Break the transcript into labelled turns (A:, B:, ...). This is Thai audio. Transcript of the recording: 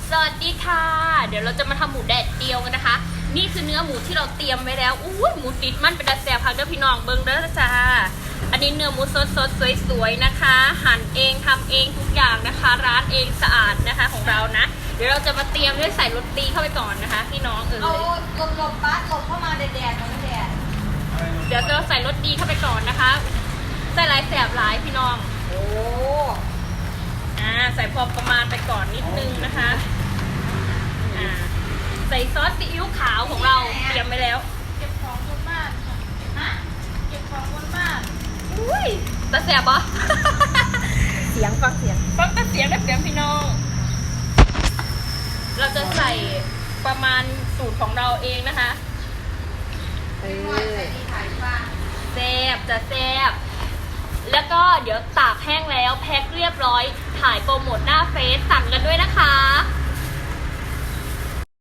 A: สวัสดีค่ะเดี๋ยวเราจะมาทำหมูแดดเดียวกันนะคะนี่คือเนื้อหมูที่เราเตรียมไว้แล้วอู้หมูติดมันเป็นดัดแซ่บพักเด้อพี่น้องเบิ้งเด้อจ้าอันนี้เนื้อหมูสดสวยๆนะคะหั่นเองทำเองทุกอย่างนะคะร้านเองสะอาดนะคะของเรานะเดี๋ยวเราจะมาเตรียมด้วยใส่รสดีเข้าไปก่อนนะคะพี่น้อง
B: เอาหลบปั๊ดหลบเข้ามาแดดๆมันแดด
A: เดี๋ยวจะใส่รสดีเข้าไปก่อนนะคะใส่หลายแสบหลายพี่น้อง
B: โอ้
A: ใส่พอประมาณไปก่อนนิดนึงนะคะใส่ซอสซีอิ๊วขาวของเราเตรียมไว้แล้ว
B: เก็บของบนบ้านฮะเก็บของบนบ้าน
A: อุ้ยตาแสบปะ
B: เสียงฟังเสียง
A: ได้เสียงพี่น้องเราจะใส่ประมาณสูตรของเราเองนะคะแซ่บจะแซ่บแล้วก็เดี๋ยวตากแห้งแล้วแพ็คเรียบร้อยถ่ายโปรโมทหน้าเฟซสั่งกันด้วย